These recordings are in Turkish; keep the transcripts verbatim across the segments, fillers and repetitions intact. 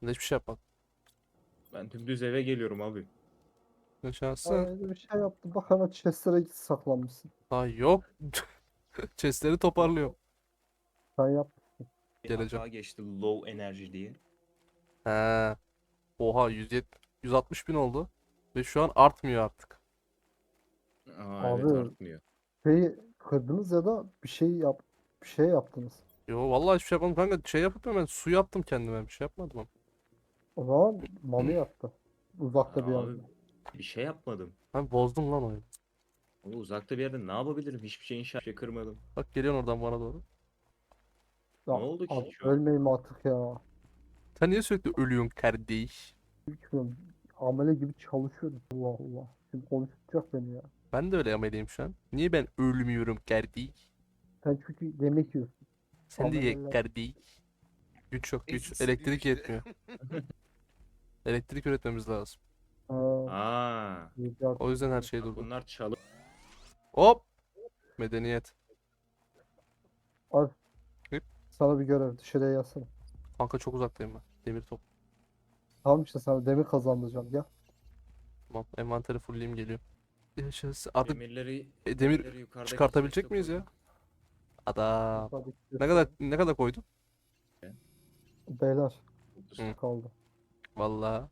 Ben de hiçbir şey yapmadım. Ben dümdüz eve geliyorum abi. Yaşasın. Öyle bir şey yaptı. Bak hemen chestlere git saklanmışsın. Daha yok. Chestleri toparlıyorum. Sen yap. Bir Geleceğim. hata geçti low enerji diye. He. Oha yüz yetmiş, yüz altmış bin oldu. Ve şu an artmıyor artık. Aa evet Abi artmıyor. şeyi kırdınız ya da bir şey yap bir şey yaptınız. Yo vallahi hiçbir şey yapmadım kanka. Şey yapıp hemen su yaptım kendime. Bir şey yapmadım ama. O zaman Mami yaptı. Uzakta bir Aa, yerde. abi bir şey yapmadım. Ben bozdum lan oyunu. Ama uzakta bir yerde ne yapabilirim? Hiçbir şey inşa bir şey kırmadım. Bak geliyorsun oradan bana doğru. Ya Ne oldu ki abi şu an? ölmeyeyim artık ya. Sen niye sürekli ölüyorsun kardeş? Bilmiyorum. Amele gibi çalışıyorum. Allah Allah. Şimdi konuşacak beni ya. Ben de öyle ameliyim şu an. Niye ben ölmüyorum kardeş? Sen çünkü yemek yiyorsun. Sen de ye Ameleler. kardeş. Güç yok güç. Eksisi Elektrik düştü. yetmiyor. Elektrik üretmemiz lazım. Ha, Aa, rica O yüzden her ederim. şey bak durdu. bunlar çalı. Hop! Medeniyet. Al Hıp. sana bir görev. Dışarıya yazsana. Kanka çok uzaktayım ben. Demir top. Tamam işte sana demir kazandıracağım. Gel. Tamam. Envanteri fullleyeyim geliyor. Yaşasın. Artık Demirleri, e, demir demirleri yukarıdaki çıkartabilecek chest'e miyiz koydum. ya? Adam. Yukarıdaki Ne kadar göster. ne kadar koydun? Beyler. Hı. Kaldı. Vallahi.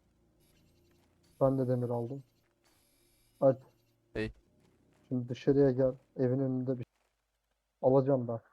Ben de demir aldım. Hadi. Hey. Şimdi dışarıya gel. Evin önünde bir şey. Alacağım ben.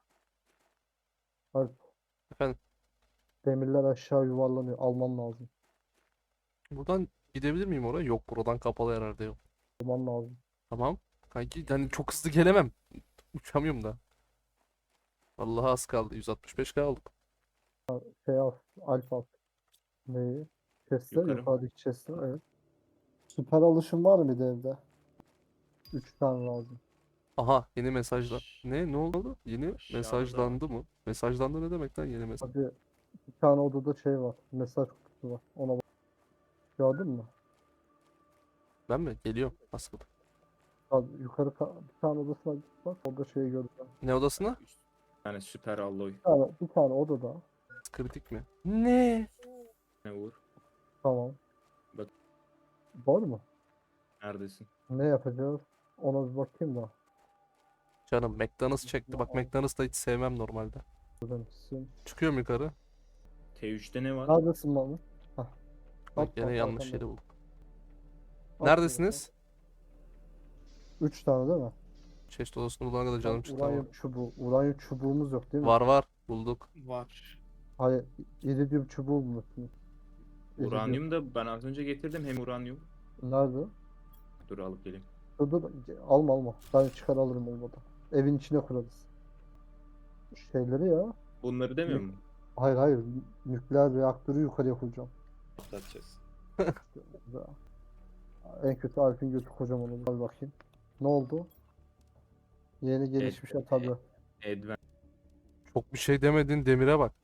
Hadi. Efendim. Demirler aşağı yuvarlanıyor. Alman lazım. Buradan gidebilir miyim oraya? Yok buradan kapalı herhalde yok. Alman lazım. Tamam. Kanki hani çok hızlı gelemem. Uçamıyorum da. Vallahi az kaldı. yüz altmış beş kaldık. Şey al. Alfa al. Neyi? Chest'ler. Yukarı mı? Yukarıdaki chest'ler. Evet. Süper alışım var mıydı evde? Üç tane lazım. Aha yeni mesajlar. Aş- Ne? Ne oldu? Yeni Aşağıda da var. mesajlandı mı? Mesajlandı ne demek lan yeni mesaj? Hadi. Bir tane odada şey var. Mesaj kutusu var. Ona bak. Gördün mü? Ben mi? Geliyorum. Askıda. Hadi yukarı ka- bir tane odasına git bak. Orada şeyi göreceğim. Ne odasına? Üst. Yani süper alloy. Bir tane, bir tane odada. Kritik mi? Ne? Ne vur? Tamam. Bak. Var mı? Neredesin? Ne yapacağız? Ona bir bakayım da. Canım McDonald's çekti. Bak McDonald's da hiç sevmem normalde. Öğrenmişsin. Çıkıyorum yukarı. T üçte ne var? Neredesin Mami? Hah. Bak At gene bak yanlış arkanda. yeri bulduk. At bir bakalım. Neredesiniz? Üç tane değil mi? Çeşit odasını bulana kadar Lan canım çıktı ama. uranyum çubuğu. Uranyum çubuğumuz yok değil mi? Var var. Bulduk. Var. Hayır. İridium çubuğu bulmuşsunuz. İridium. Uranyum da ben az önce getirdim hem uranyum. Nerede? Dur alıp geleyim. Dur dur. Alma alma. Ben çıkar alırım olmadı. Evin içine kurarız. Şeyleri ya. Bunları demiyor mu? Hayır hayır. Nükleer reaktörü yukarıya koyacağım. Patlatacağız. Ya. En kötü Alp'in götü kocaman olur. Hadi bakayım. Ne oldu? Yeni gelişmiş ya tabii. Advent. Çok bir şey demedin demire bak.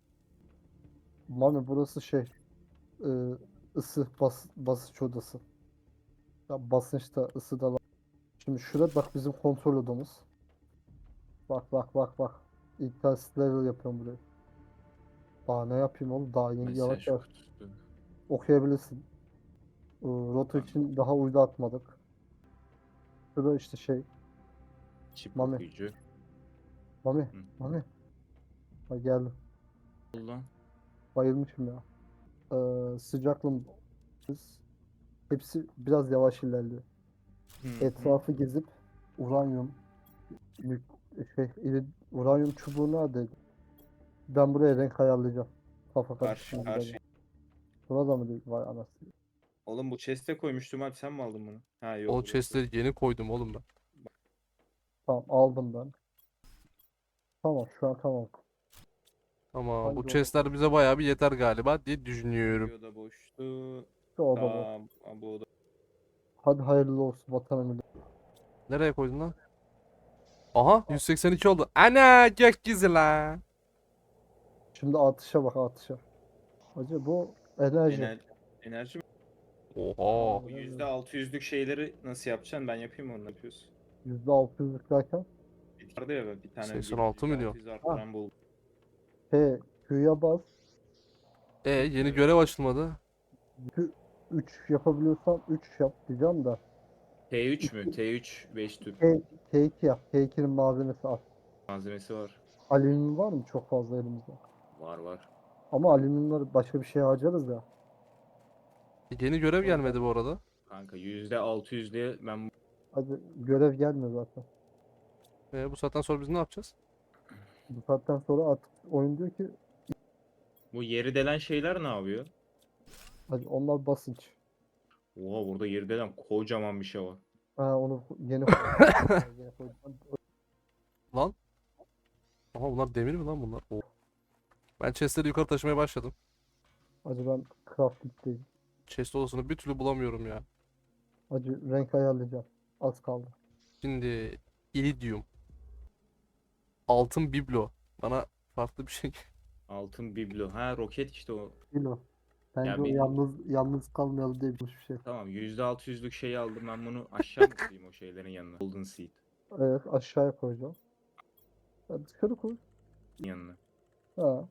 Mami burası şey. ıı, ısı bas, basınç odası. Ya basınçta ısı da var. Şimdi şurada bak bizim kontrol odamız. Bak bak bak bak. İnternet level yapıyorum burayı. Daha ne yapayım oğlum? Daha yeni yavaş Mesaj yavaş kutusu. okuyabilirsin. Iı, Rota Tamam. için daha uydu atmadık. Şurada işte şey. Çip Mami. okuyucu. Mami. Hı. Mami. Ha geldim. Allah. Bayılmışım ya. Ee, sıcaklığım hepsi biraz yavaş ilerliyor. Hı hı. Etrafı gezip uranyum nük- şey iri- uranyum çubuğu neredeydi? Ben buraya renk ayarlayacağım. Kafa Karşı karıştırma karşı. biraz. Burada mı değil? Vay anasını. Oğlum bu chest'e koymuştum abi sen mi aldın bunu? Ha yok O burası. chestleri yeni koydum oğlum ben. Tamam aldım ben. Tamam şu an tamam. Ama bu Hangi oda? chestler bize bayağı bir yeter galiba diye düşünüyorum. Bir oda boştu. Şu oda bu. Tamam. Bu oda. Hadi hayırlı olsun vatanı millet. Nereye koydun lan? Aha yüz seksen iki oldu. Ana gökyüzü la. Şimdi atışa bak atışa. Hacı bu enerji. Ener enerji mi? Oha. Bu yüzde altı yüzlük şeyleri nasıl yapacaksın? Ben yapayım onu yapıyorsun. yüzde altı yüzlük derken. Vardı ya ben bir tane seksen altı milyon. yüzde altı yüz Ha. arttıran buldum. He Q'ya bas. E yeni görev açılmadı. üç yapabiliyorsan üç yap diyeceğim de. T üç mü? T üç beş tüp T, T iki yap. T ikinin malzemesi az. malzemesi var. Alüminyum var mı çok fazla elimizde? Var var. Ama alüminyumları başka bir şeye harcarız ya. Yeni görev Orada. gelmedi bu arada. Kanka yüzde altı yüzde ben Hadi görev gelmiyor zaten. E bu saatten sonra biz ne yapacağız? Bu saatten sonra artık oyun diyor ki bu yeri delen şeyler ne yapıyor? hadi onlar basınç. Oha burada yeri delen kocaman bir şey var. Ha onu yeni koydum. Yeni koydum. Lan. Aha bunlar demir mi lan bunlar? Oo. Ben chestleri yukarı taşımaya başladım. Hadi ben crafting'deyim. Chest odasını bir türlü bulamıyorum ya. Hadi renk ayarlayacağım. Az kaldı. Şimdi iridium. Altın biblo. Bana farklı bir şey. Altın biblo. Ha roket işte o. Bilo. Bence Ya o bir yalnız yalnız kalmayalım diye bir şey. tamam yüzde altı yüzlük şeyi aldım ben bunu aşağı mı koyayım o şeylerin yanına? Golden Seed Evet aşağıya koyacağım. Ya dışarı koy. yanına. Ha.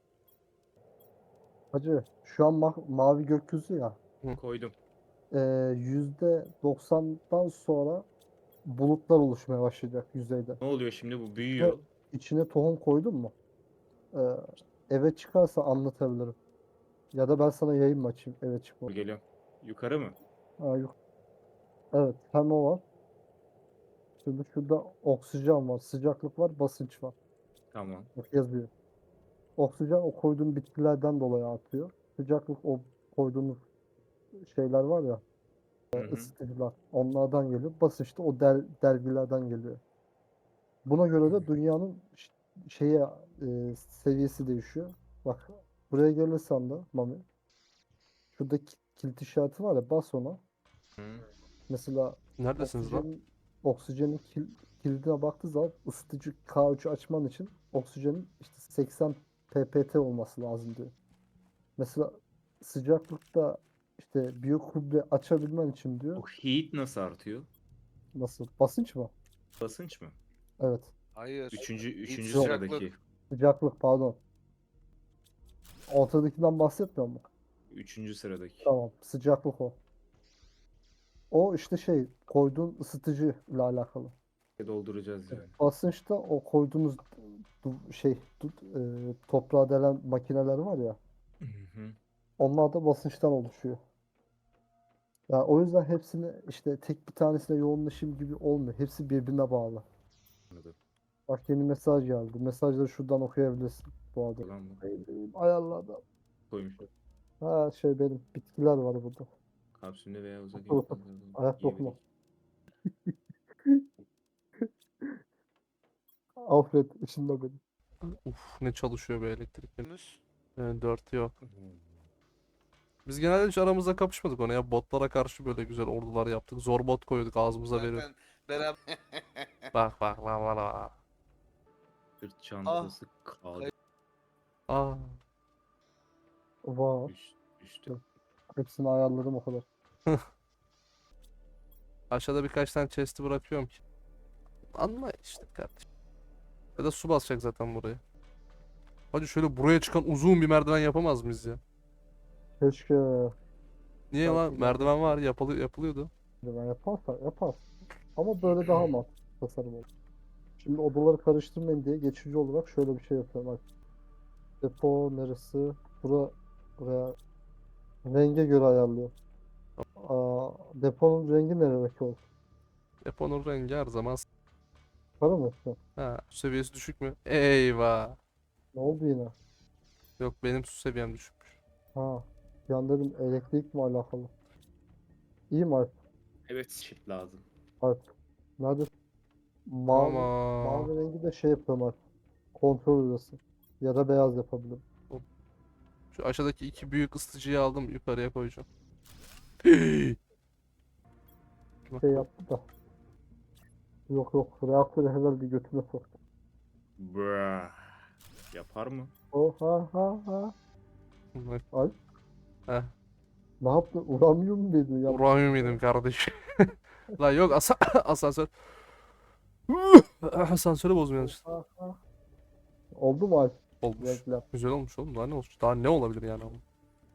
Hacı şu an ma- mavi gökyüzü ya. Koydum. Ee, yüzde doksandan sonra bulutlar oluşmaya başlayacak yüzeyde. Ne oluyor şimdi bu Ve büyüyor. içine tohum koydun mu? Ee, eve çıkarsa anlatabilirim. Ya da ben sana yayın mı açayım eve çıkma. Geliyorum. Yukarı mı? Ha, yok. Evet hem o var. Şimdi şurada oksijen var, sıcaklık var, basınç var. Tamam. Bak yazıyor. Oksijen o koyduğun bitkilerden dolayı artıyor. Sıcaklık o koyduğunuz şeyler var ya, Hı hı. ısıtıcılar. Onlardan geliyor. Basınç da o der, dergilerden geliyor. Buna göre de dünyanın ş- şeye e, seviyesi değişiyor. Bak buraya gelirsen de Mami. Şurada ki- kilit işareti var ya bas ona. Hı. Neredesiniz Mesela lan? oksijenin oksijenin kil, kilidine baktığı zaman ısıtıcı K üçü açman için oksijenin işte seksen ppt olması lazım diyor. Mesela sıcaklıkta işte biyokübre açabilmen için diyor. O heat nasıl artıyor? Nasıl? Basınç mı? Basınç mı? Evet. Hayır. Üçüncü, üçüncü Yok. sıradaki. Sıcaklık pardon. Ortadakinden bahsetmiyor mu? Üçüncü sıradaki. Tamam. Sıcaklık o. O işte şey koyduğun ısıtıcı ile alakalı. Dolduracağız yani. Basınçta o koyduğunuz du- şey du- e, toprağa delen makineler var ya. Hı hı. Onlar da basınçtan oluşuyor. Yani o yüzden hepsini işte tek bir tanesine yoğunlaşayım gibi olmuyor. Hepsi birbirine bağlı. Anladım. Bak yeni mesaj geldi. Mesajları şuradan okuyabilirsin bu arada. Ulan bu Ayarlarda. koymuş. Ha şey benim bitkiler var burada. Kapsülde veya uzak Otur, otur. Ayak dokuma. Alfred içinde benim. Uf ne çalışıyor be elektrik. Yunus. Ee, dört yok. Biz genelde hiç aramızda kapışmadık ona ya. Botlara karşı böyle güzel ordular yaptık. Zor bot koyduk ağzımıza veriyor. Zaten beraber. Bak bak bak bak bak. Sırt çantası kaldı. Hayır. Aa, Var. Üst, üstte. Hepsini ayarladım o kadar. aşağıda birkaç tane chest'i bırakıyorum ki. Anla işte kardeşim. Ya da su basacak zaten buraya. Hadi şöyle buraya çıkan uzun bir merdiven yapamaz mıyız ya? Keşke Niye Belki lan? Merdiven var yapılı yapılıyordu. ben yaparsa yapar. Ama böyle daha mantıklı tasarım olur. Şimdi odaları karıştırmayın diye geçici olarak şöyle bir şey yapıyorum. Bak. Depo neresi? Bura, buraya renge göre ayarlıyor. Aa, deponun rengi nereye olsun? Deponun rengi her zaman s- Para mı işte? ha, su seviyesi düşük mü? Eyvah. Ne oldu yine? Yok benim su seviyem düşükmüş. Ha. Yan dedim elektrik mi alakalı? İyi mi Alp? Evet çift lazım. Alp. Nerede? Mavi, Tamam. mavi rengi de şey yapıyorum Alp. Kontrol odası. Ya da beyaz yapabilirim. Şu aşağıdaki iki büyük ısıtıcıyı aldım yukarıya koyacağım. Bak, Şey yaptı da. Yok yok. Reaktörü herhalde götüne soktu. Brah. Yapar mı? Oh ha ha ha. bak. Alp. Heh, Ne yaptın? Uranyum mu dedin ya? uranyum yedim kardeşim. La yok asa asansör. Asansörü bozmuyor işte. Ha, ha. Oldu mu Alp? Olmuş. Renkler. Güzel olmuş oğlum. Daha ne olmuş? Daha ne olabilir yani ama?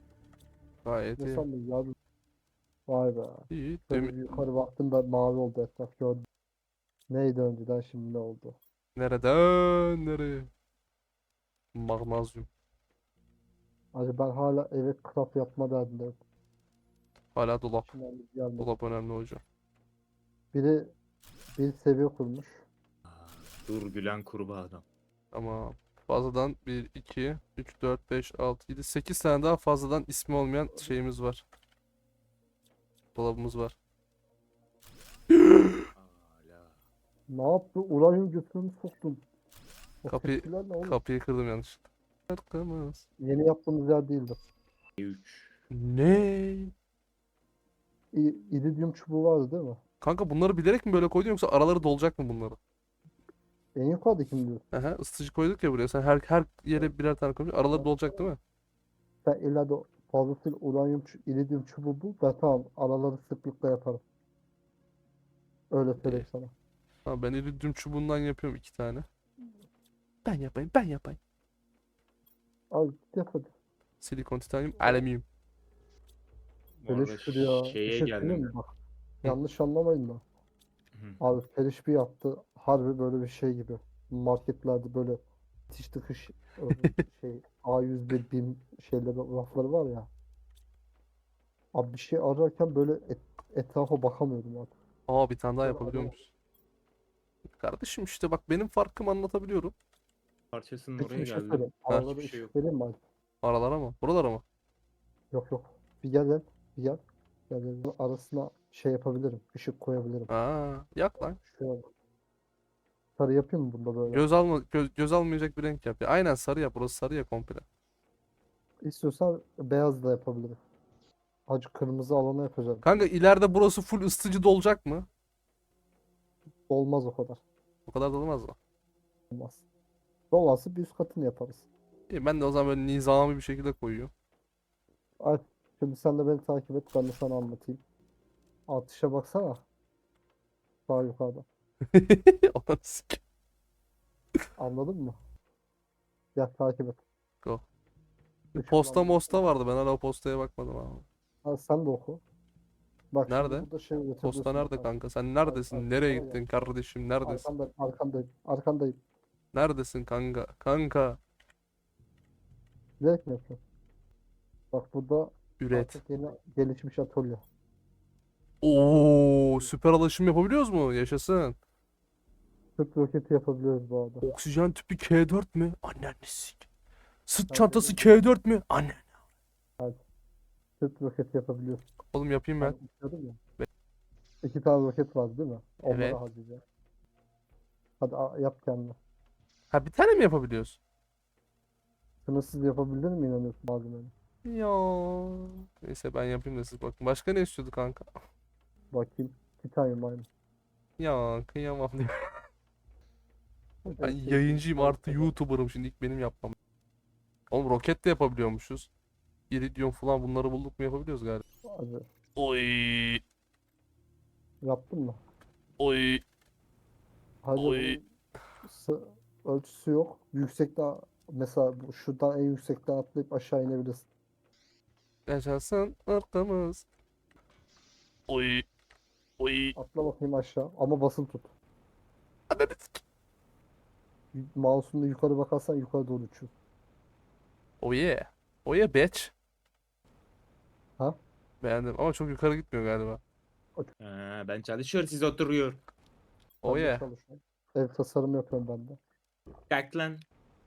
Gayet Ne iyi. sandın ya? Vay be. İyi. Böyle Demi- bir yukarı baktığımda mavi oldu etraf gördüm. Neydi önceden şimdi ne oldu? Nereden nereye? Magnezyum. Acaba ben hala eve craft yapma derdindeyim. Hala dolap. İçinden bir gelmedi. Dolap önemli hocam. Biri bir seviye kurmuş. Aa, dur gülen kurbağa adam. Ama fazladan bir, iki, üç, dört, beş, altı, yedi, sekiz tane daha fazladan ismi olmayan şeyimiz var. Dolabımız var. Hala. Ne yaptı? Uranyum götürümü soktun. O Kapıyı tepkiler ne oğlum? kapıyı kırdım yanlışlıkla. Arkamız. Yeni yaptığımız yer değildi. üç. Ne? İ- İridium çubuğu vardı değil mi? Kanka bunları bilerek mi böyle koydun yoksa araları dolacak mı bunları? En yukarıdaki mi diyorsun? Aha, ısıtıcı koyduk ya buraya. Sen her her yere birer tane koymuş. Araları dolacak değil mi? Sen ileride fazlasıyla uranyum, çu- iridium çubuğu bul. Ben tamam araları sıklıkla yaparım. Öyle söyleyeyim İyi. sana. Ha, ben iridium çubuğundan yapıyorum iki tane. Ben yapayım, ben yapayım. Al git yap hadi. Silikon, titanyum, alüminyum. Bu Böyle arada şuraya bir şeye şey söyleyeyim geldim. mi? Bak. Hı. Yanlış anlamayın da. Hı. Abi Feriş bir yaptı. Harbi böyle bir şey gibi. Marketlerde böyle itiş tıkış e, şey A yüz bir BİM şeyleri rafları var ya. Abi bir şey ararken böyle et- etrafa bakamıyordum artık. Aa, bir tane daha Böyle yapabiliyor arama. muyuz? Kardeşim işte bak benim farkımı anlatabiliyorum. Parçasının Peki oraya bir şey geldim. söyleyeyim. Ha. Aralara Hiçbir şey yok. ışık vereyim mi abi? Aralara mı? Buralara mı? Yok yok. Bir gel gel. Bir gel. Gel gel. gel. Arasına şey yapabilirim. Işık koyabilirim. Aa, yak lan. Şöyle bak. Sarı yapayım mı bunda böyle? Göz alma göz, göz almayacak bir renk yap. Ya, aynen sarı yap. Burası sarı ya komple. İstiyorsan beyaz da yapabilirim. Acı kırmızı alana yapacağım. Kanka ileride burası full ısıtıcı dolacak mı? Olmaz o kadar. O kadar da olmaz mı? Olmaz. Dolası bir üst katını yaparız. İyi, ben de o zaman böyle nizami bir şekilde koyuyorum. Ay, şimdi sen de beni takip et. Ben de sana anlatayım. Atışa baksana. Daha yukarıda. Ananı sik- Anladın mı? Gel takip et. Go. Işıklan Posta bir- mosta vardı. Ben hala o postaya bakmadım abi. Ha, sen de oku. Bak şimdi Nerede? burada şey Posta üretebiliyorsun. Bak, nerede bak. kanka? Sen Ar- neredesin? Nereye arkanda ya. gittin kardeşim? Neredesin? Arkanda, arkandayım. Arkandayım. Neredesin kanka? Kanka. Direkt mi yapıyorsun? Bak burada Üret. artık yeni gelişmiş atölye. Oo, süper alışım yapabiliyoruz mu? Yaşasın. Sırt roketi yapabiliyoruz bu arada. Oksijen tüpü K dört mü? Annen sik. Sırt Hadi çantası oğlum. K dört mü? Annen. Sırt roketi yapabiliyorsun. Oğlum yapayım ben. Ben istiyordum ya. İki tane roket var değil mi? Onları Evet. harcayacağım. Hadi a- yap kendine. Ha, bir tane mi yapabiliyoruz? Sınırsız yapabilir mi inanıyorsun malzemeyi? Ya. Neyse ben yapayım da siz bakın. Başka ne istiyordu kanka? Bakayım. Titanyum aynı. Ya kıyamam diye. Ben En sevdiğim yayıncıyım şey artı falan. YouTuber'ım, şimdi ilk benim yapmam. Oğlum roket de yapabiliyormuşuz. İridium falan bunları bulduk mu yapabiliyoruz galiba. Hadi. Oy Yaptın mı? oy Hadi oy. bunun sı- ölçüsü yok. Yüksekte mesela bu- şuradan en yüksekten atlayıp aşağı inebilirsin. Yaşasın arkamız. Oy oy. Atla bakayım aşağı ama basılı tut. Ananı sik- Y- Mouse'unla yukarı bakarsan yukarı doğru uçuyor. Oh yeah. Oh yeah bitch. Ha? Beğendim ama çok yukarı gitmiyor galiba. Ha, ben çalışıyor siz oturuyor. Oh Ben de yeah. çalışıyorum. Ev tasarımı yapıyorum ben de. Kalk lan.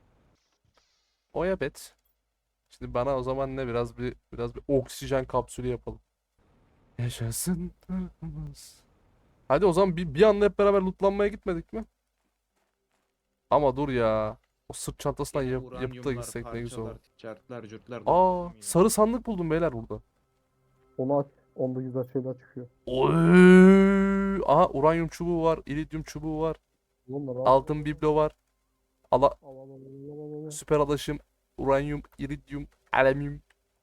Oh yeah bitch. Şimdi bana o zaman ne, biraz bir biraz bir oksijen kapsülü yapalım. Yaşasın arkamız. Hadi o zaman bir, bir anda hep beraber lootlanmaya gitmedik mi? Ama dur ya. O sırt çantasından Yine yap, yapıp da uranyumlar, gitsek ne güzel olur. parçalar, çarklar, cırtlar. Aa, doldurdum yine. sarı sandık buldum beyler burada. Onu aç. Onda güzel şeyler çıkıyor. Oy! Aha, uranyum çubuğu var, iridyum çubuğu var, Onları al. altın biblo var. Ala Al al al al al al, al. süper alaşım, uranyum, iridyum, alüminyum.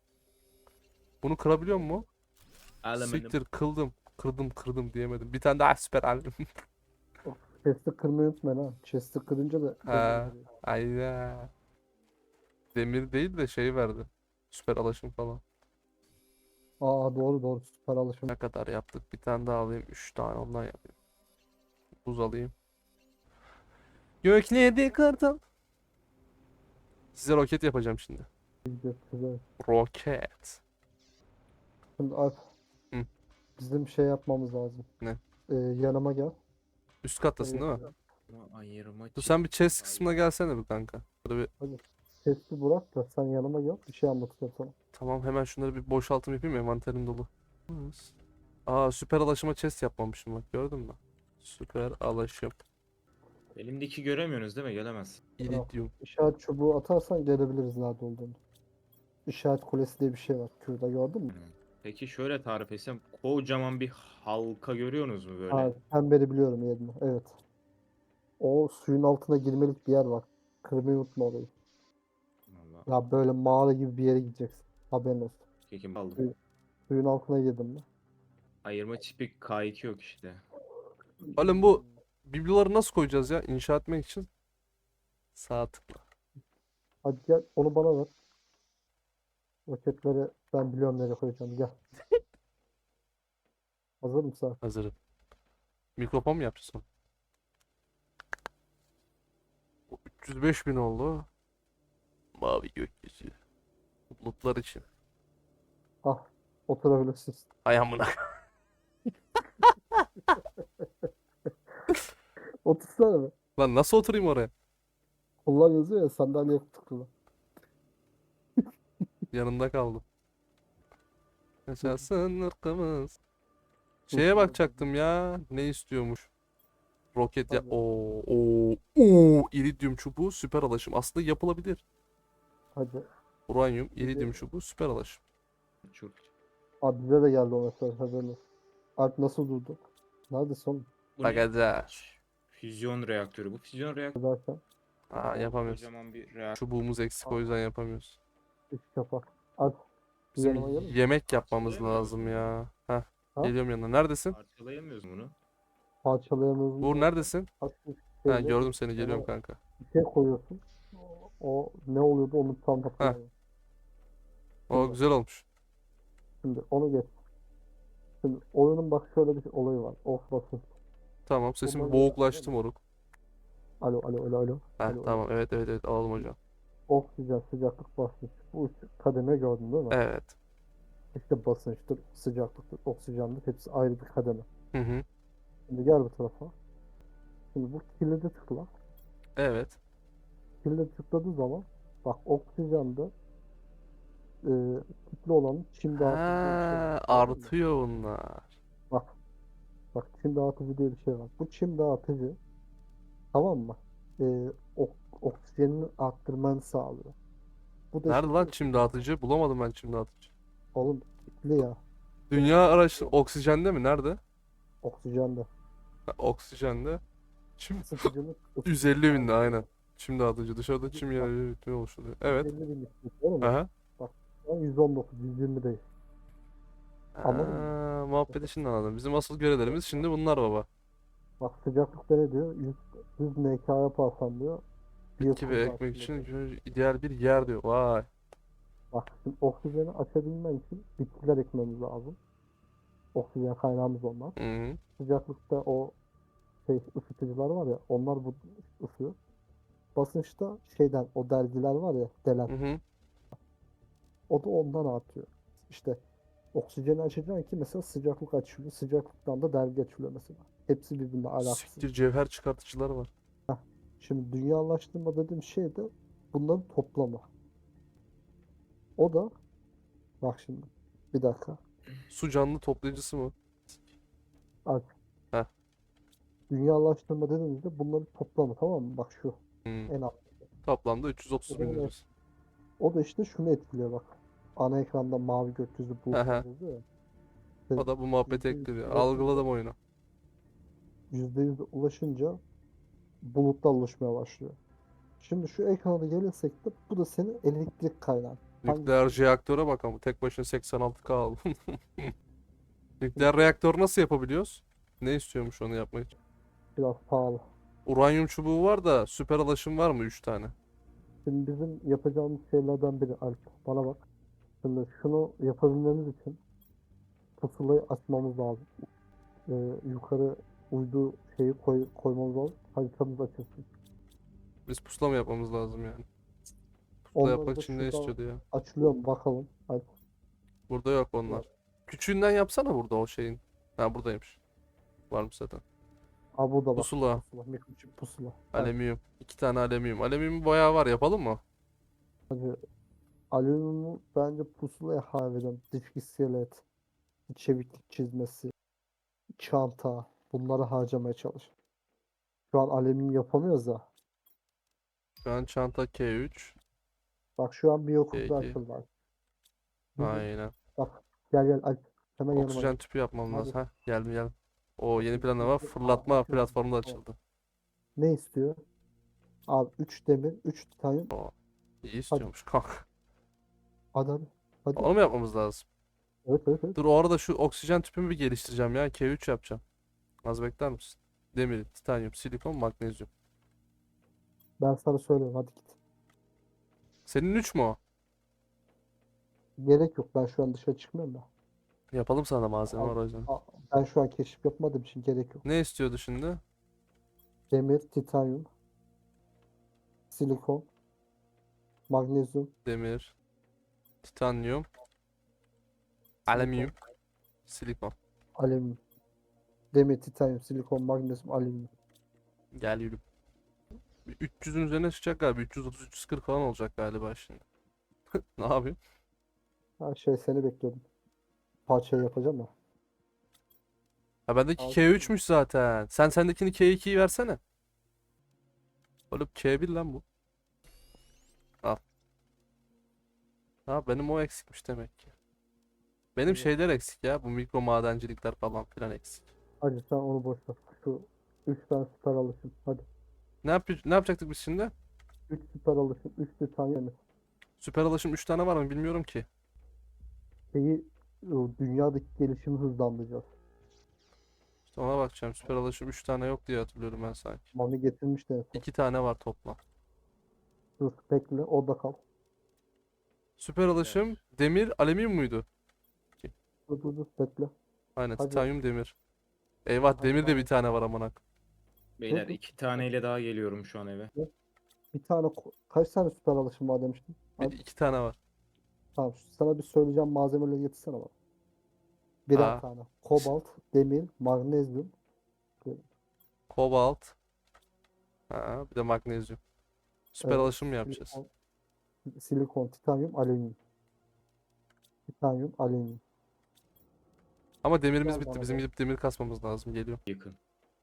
Bunu kırabiliyor mu? Alüminyum. Siktir, kıldım. Kırdım kırdım diyemedim. Bir tane daha süper alüminyum. Chest'i kırmayı unutmayın ha. Chest'i kırınca da Ha, demir veriyor. aynen. Demir değil de şey verdi. Süper alaşım falan. Aa doğru doğru süper alışım. Ne kadar yaptık? Bir tane daha alayım. Üç tane ondan yapayım. Buz alayım. Göklerde kartal. Size roket yapacağım şimdi. Güzel, güzel. Roket. Şimdi Alp Hı, bizim şey yapmamız lazım. ne? Ee, yanıma gel. Üst kattasın değil mi? Evet. Ama ayırma Dur sen bir chest çift. kısmına gelsene bir kanka. Burada bir Hadi. Testi bırak da sen yanıma gel. Bir şey anlatacağım sana. tamam hemen şunları bir boşaltım yapayım envanterim dolu. Aa süper alaşıma chest yapmamışım bak gördün mü? Süper alaşım. Elimdeki göremiyorsunuz değil mi? Gelemez. İridium. İşaret çubuğu atarsan görebiliriz nerede olduğunu. İşaret kulesi diye bir şey var. Kürda gördün mü? Hı. Peki şöyle tarif etsem kocaman bir halka görüyorsunuz mu böyle? Ha, pemberi biliyorum yerini. Evet. O suyun altına girmelik bir yer var. Kırmayı unutma orayı. Vallahi. Ya böyle mağara gibi bir yere gideceksin. Haberin olsun. Peki aldım. Suyu- Suyun altına girdim mi? Ayırma çipi K iki yok işte. Oğlum bu bibloları nasıl koyacağız ya inşa etmek için? Sağ tıkla. Hadi gel onu bana ver. Roketleri ben biliyorum nereye koyacağım. Gel. Hazır mısın? Hazırım. Mikrofon mu yapacağız onu? üç yüz beş bin oldu. Mavi gökyüzü. Bulutlar için. Ah. Oturabilirsin. Ay amına. Otursana be. Lan nasıl oturayım oraya? Kullan yazıyor ya sandalye tıklı. Yanında kaldım. Yaşasın ırkımız. Şeye bakacaktım ya. Ne istiyormuş? Roket ya. Hadi. Oo, oo, oo. İridium çubuğu süper alaşım. Aslında yapılabilir. Hadi. Uranyum, Bir de- iridium çubuğu süper alaşım. Çok. Abi bize de geldi o mesaj haberin olsun. Alp nasıl durdu? Nerede son Bu ne? Bakacağız. Füzyon reaktörü. Bu füzyon reaktörü derken? Aa yapamıyoruz. kocaman bir reaktör. Çubuğumuz eksik o yüzden yapamıyoruz. İç kapak. Alp bir Bizim yanıma gelir misin? yemek yapmamız Parçalayamıyoruz lazım bunu. ya. Heh, Ha? geliyorum yanına. Neredesin? Parçalayamıyoruz bunu. Parçalayamıyoruz. Uğur neredesin? Hafif Ha şeyle gördüm seni geliyorum ona kanka. bir şey koyuyorsun. O, o ne oluyordu onu tam hatırlamıyorum. O Şimdi, güzel olmuş. şimdi onu geç. Şimdi oyunun bak şöyle bir olayı var. Off basın. Tamam sesim Bunları boğuklaştı yapalım. moruk. Alo alo alo alo. Heh Alo alo. tamam evet evet evet alalım hocam. Oksijen, sıcaklık, basınç. Bu üç kademe gördün değil mi? Evet. İşte basınçtır, sıcaklıktır, oksijendir. Hepsi ayrı bir kademe. Hı hı. Şimdi gel bu tarafa. Şimdi bu kilidi tıkla. Evet. Kilidi tıkladığı zaman bak oksijende e, kitli olanın çim dağıtıcı diye bir şey var. Ha Gördün mü? artıyor bunlar. Bak bak çim dağıtıcı diye bir şey var. Bu çim dağıtıcı tamam mı? E, ok- oksijenini arttırmanı sağlıyor. Bu da Nerede işte lan diyor ki, çim dağıtıcı? Bulamadım ben çim dağıtıcı. oğlum kitli ya Dünya araştır oksijende mi? Nerede? oksijende. Ha, oksijende. Çim Isıtıcılık yüz elli binde aynen. Çim dağıtıcı dışarıda çim Bak, yağı oluşturuyor. Evet. elli bin istiyor, değil mi? Aha. Bak şu an yüz on dokuz, yüz yirmi değil. Anladın mı? Aa, muhabbeti şimdi anladım. Bizim asıl görevlerimiz şimdi bunlar baba. Bak sıcaklıkta ne diyor? yüz, yüz N K yaparsan diyor. Bitki ve biyokuz ekmek için artıyor. ideal bir yer diyor. Vay. Bak şimdi oksijeni açabilmen için bitkiler ekmemiz lazım. Oksijen kaynağımız onlar. Hı hı. Sıcaklıkta o şey ısıtıcılar var ya onlar bu ısıyor. Basınçta şeyden o dergiler var ya delen Hı hı. o da ondan artıyor. İşte oksijeni açacaksın ki mesela sıcaklık açılıyor. Sıcaklıktan da dergi açılıyor mesela. Hepsi birbirine alakasız. Siktir cevher çıkartıcılar var. Şimdi dünyalaştırma dediğim şey de bunların toplamı. O da bak şimdi bir dakika. Su canlı toplayıcısı mı? Bak Heh. dünyalaştırma dediğimizde bunların toplamı tamam mı? Bak şu Hı. en alt. Toplamda üç yüz otuz O bin da, lirası. o da işte şunu etkiliyor bak. Ana ekranda mavi gökyüzü bulutlar Aha. yazıyor ya. O da bu muhabbeti yüzde yüz ekliyor. ulaşınca, Algıladım oyunu. yüzde yüz ulaşınca bulutlar oluşmaya başlıyor. Şimdi şu ekrana gelirsek de bu da senin elektrik kaynağın. Nükleer reaktöre bak ama tek başına seksen altı K aldım. Nükleer reaktör nasıl yapabiliyoruz? Ne istiyormuş onu yapmak için? Biraz pahalı. Uranyum çubuğu var da süper alaşım var mı üç tane? Şimdi bizim yapacağımız şeylerden biri Alp. Bana bak. Şimdi şunu yapabilmemiz için pusulayı açmamız lazım. Ee, yukarı uydu şeyi koy, koymamız lazım. Haritamız açılsın. Biz pusula mı yapmamız lazım yani? Pusula Onları yapmak da için ne şuradan istiyordu ya? açılıyor mu bakalım. Hadi. Burada yok onlar. Küçüğünden yapsana burada o şeyin. Ha buradaymış. Varmış zaten. Aa burada bak. Pusula. Pusula. Mikroçip pusula. Hadi. Alüminyum. İki tane alüminyum. Alüminyum bayağı var. Yapalım mı? Hadi. Alüminyumu bence pusulaya harbiden dış iskelet, çeviklik çizmesi, çanta bunları harcamaya çalış. Şu an alüminyum yapamıyoruz da. Şu an çanta K üç. Bak şu an biyokurda K iki. açıldı. Bak. Bizim, Aynen. bak gel gel Alp. Hemen yanıma Oksijen gel. tüpü yapmam Hadi. lazım. Ha geldim geldim. O yeni Bakayım, planı var. bakayım. Aa, Fırlatma açıyorum. platformu da Tamam. açıldı. Ne istiyor? Abi üç demir, üç titanyum. O iyi Hadi. istiyormuş kanka. Hadi hadi. Hadi. Onu mu yapmamız lazım? Evet evet evet. Dur o arada şu oksijen tüpümü bir geliştireceğim ya. K üç yapacağım. Az bekler misin? Demir, titanyum, silikon, magnezyum. Ben sana söylüyorum hadi git. Senin üç mü o? Gerek yok. Ben şu an dışarı çıkmıyorum da. Yapalım sana malzeme Al- var o yüzden. al- Ben şu an keşif yapmadığım için gerek yok. Ne istiyordu şimdi? Demir, titanyum, silikon, magnezyum, Demir, titanyum, silikon, alüminyum, silikon. alüminyum. Demir, titanyum, silikon, magnezyum, alüminyum. Gel yürü. Bir üç yüzün üzerine çıkacak galiba. üç yüz otuz üç yüz kırk falan olacak galiba şimdi. Ne yapayım? Her şey seni bekliyordum. Parçayı yapacağım ya. Ha bendeki Al. K üç'müş zaten. Sen sendekini K ikiyi versene. Oğlum K bir lan bu. Al. Ha benim o eksikmiş demek ki. Benim Evet. şeyler eksik ya. Bu mikro madencilikler falan filan eksik. Hadi sen onu boş ver. Şu üç tane süper alışım. Hadi. Ne yap ne yapacaktık biz şimdi? üç süper alışım, üç titanyum. Süper alışım üç tane var mı bilmiyorum ki. Şeyi o dünyadaki gelişimi hızlandıracağız. İşte ona bakacağım. Süper alışım üç tane yok diye hatırlıyorum ben sanki. Mami getirmiş de en son. iki tane var toplam. Dur bekle orada kal. Süper alışım demir alüminyum muydu? Dur dur dur bekle. Aynen Hadi. titanyum demir. Eyvah Hadi demir de tamam. bir tane var amına. Beyler Dur, iki taneyle daha geliyorum şu an eve. Bir tane ko- kaç tane süper alışım var demiştim. Bir Hadi iki tane var. tamam sana bir söyleyeceğim malzemeleri getirsene bana. Birer Aa, tane. Kobalt, demir, magnezyum, kobalt. Ha, bir de magnezyum. e, Süper alışım mı yapacağız? silikon, silikon, titanyum, alüminyum. Titanyum, alüminyum. Ama demirimiz Gel bitti. bana Bizim da. gidip demir kasmamız lazım. Geliyor. Yakın.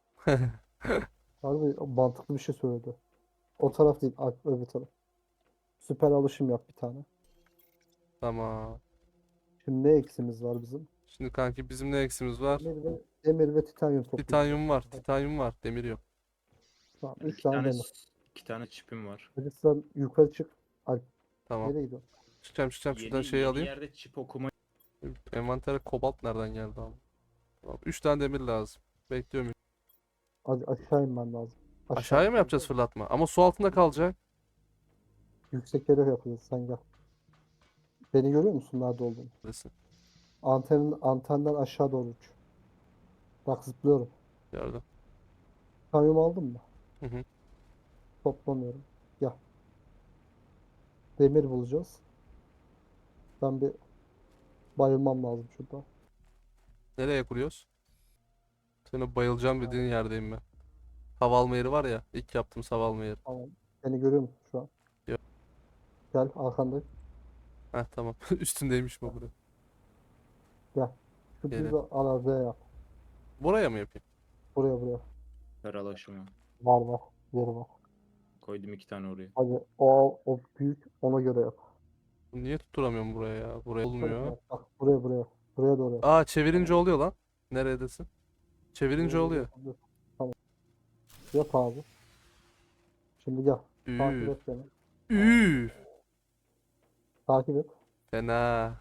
Harbi mantıklı bir şey söyledi. O taraf değil, ar- öbür taraf. Süper alışım yap bir tane. Tamam. Şimdi ne eksimiz var bizim? Şimdi kanki bizim ne eksimiz var? Demir ve, demir ve titanyum toplayacağız. Titanyum var. Titanyum var. Demir yok. Tamam, Ben üç iki tane tane demir. iki tane çipim var. Hadi sen yukarı çık. Alp, Tamam. nereye gidiyorsun? Çıkacağım çıkacağım. Şuradan Yeni şeyi yeni alayım. yerde çip okuma Envantere kobalt nereden geldi abi? Tamam. üç tane demir lazım. Bekliyorum. Hadi aşağı inmen lazım. Aşağıya mı yapacağız fırlatma? Ama su altında kalacak. Yüksek yere yapacağız sen gel. Beni görüyor musun nerede olduğumu? Neredesin? Antenin, antenden aşağı doğru uç. Bak zıplıyorum. Gördüm. Titanyum aldın mı? Hı hı. Toplamıyorum. Gel. Demir bulacağız. Ben bir bayılmam lazım şurada. Nereye kuruyoruz? Senin bayılacağım dediğin yerdeyim ben. Hava alma yeri var ya. İlk yaptığım hava alma yeri. Tamam. Beni görüyor musun şu an? Yok. Gel arkandayım. Heh tamam. Üstündeymiş bu buraya. Gel. Şu Geri. düz araziye yap. Buraya mı yapayım? Buraya buraya. karalaşıma. Var var. Yeri var. Koydum iki tane oraya. Hadi o, o büyük ona göre yap. Niye tutturamıyorum buraya ya? Buraya Bu tarafa olmuyor. yap. Bak buraya buraya. Buraya doğru yap. Aa çevirince Tamam. oluyor lan. Neredesin? Çevirince Buraya doğru oluyor. yapabilirsin. Tamam. Yap abi. Şimdi gel. Takip Üf. et beni. Üf. Takip et. Fena.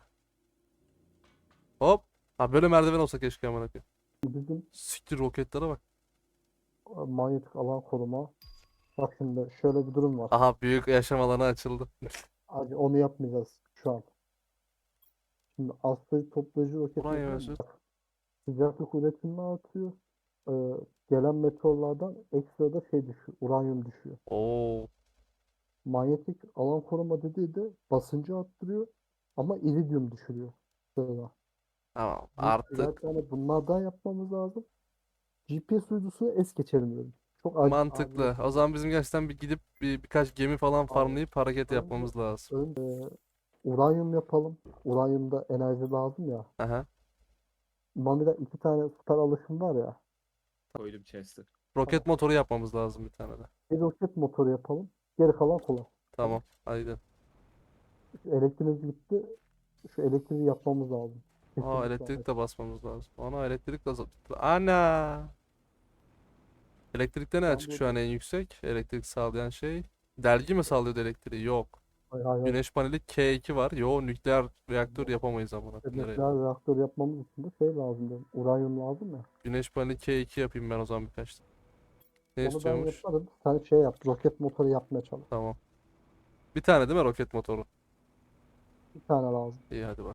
Hop. Ha böyle merdiven olsa keşke amına koyayım. Bizim Siktir roketlere bak. e, manyetik alan koruma. Bak şimdi şöyle bir durum var. Aha büyük yaşam alanı açıldı. Hadi onu yapmayacağız şu an. Şimdi asteroid toplayıcı roket Uranyum yapalım mı? özü. Bak, sıcaklık üretimini artıyor. Ee, gelen meteorlardan ekstra da şey düşüyor. Uranyum düşüyor. Oo. Manyetik alan koruma dediği de basıncı arttırıyor ama iridium düşürüyor. Sonra. Tamam. Bu Artık yani bunlardan yapmamız lazım. G P S uydusunu es geçelim diyorum. Çok ac acil. mantıklı. O zaman bizim gerçekten bir gidip bir birkaç gemi falan Abi, farmlayıp hareket önce, yapmamız lazım. önce uranyum yapalım. Uranyumda enerji lazım ya. Aha. Mami'de iki tane star alışım var ya. Koydum chest'e. Tamam. Roket motoru yapmamız lazım bir tane de. Bir roket motoru yapalım. Geri kalan kolay. Tamam. Tamam. Haydi. Şu elektriğimiz gitti. Şu elektriği yapmamız lazım. Aa, Kesinlikle. elektrik de basmamız lazım. Ana, elektrik de azaldı. Ana. Elektrikte ne Ben açık şu burada... an en yüksek? Elektrik sağlayan şey. Dergi mi sağlıyordu elektriği? Yok. Hayır, hayır, hayır. Güneş paneli K iki var. Yo, nükleer reaktör yapamayız amına koyayım. Nereye? Nükleer reaktör yapmamız için de şey lazım diyorum. Uranyum lazım ya. Güneş paneli K iki yapayım ben o zaman birkaç tane. Ne Onu ben istiyormuş? yaparım. Sen şey yap. Roket motoru yapmaya çalış. Tamam. Bir tane değil mi roket motoru? Bir tane lazım. İyi, hadi bak.